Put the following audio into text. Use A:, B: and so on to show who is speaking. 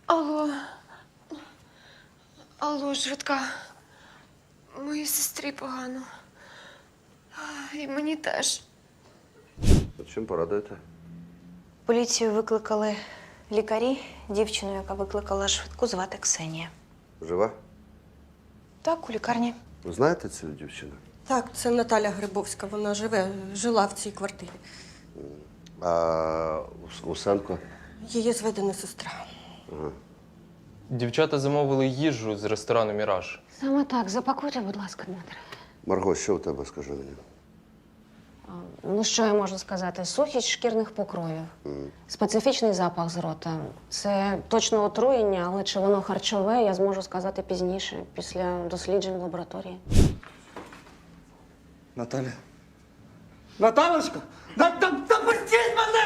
A: Алло. Алло, швидка. Моїй сестрі погано. І мені теж.
B: Чим порадуєте?
C: Поліцію викликали лікарі. Дівчину, яка викликала швидку, звати Ксенія.
B: Жива?
C: Так, у лікарні.
B: Ви знаєте цю дівчину?
D: Так, це Наталя Грибовська. Вона жила в цій квартирі.
B: А Усенко?
D: Її зведена сестра.
E: Дівчата замовили їжу з ресторану «Міраж».
F: Саме так. Запакуйте, будь ласка, Дмитре.
B: Марго, що у тебе, скажи мені?
F: Ну, що я можу сказати? Сухість шкірних покровів. Специфічний запах з рота. Це точно отруєння, але чи воно харчове, я зможу сказати пізніше, після досліджень в лабораторії.
G: Наталя? Наталочка! Да пустіть мене!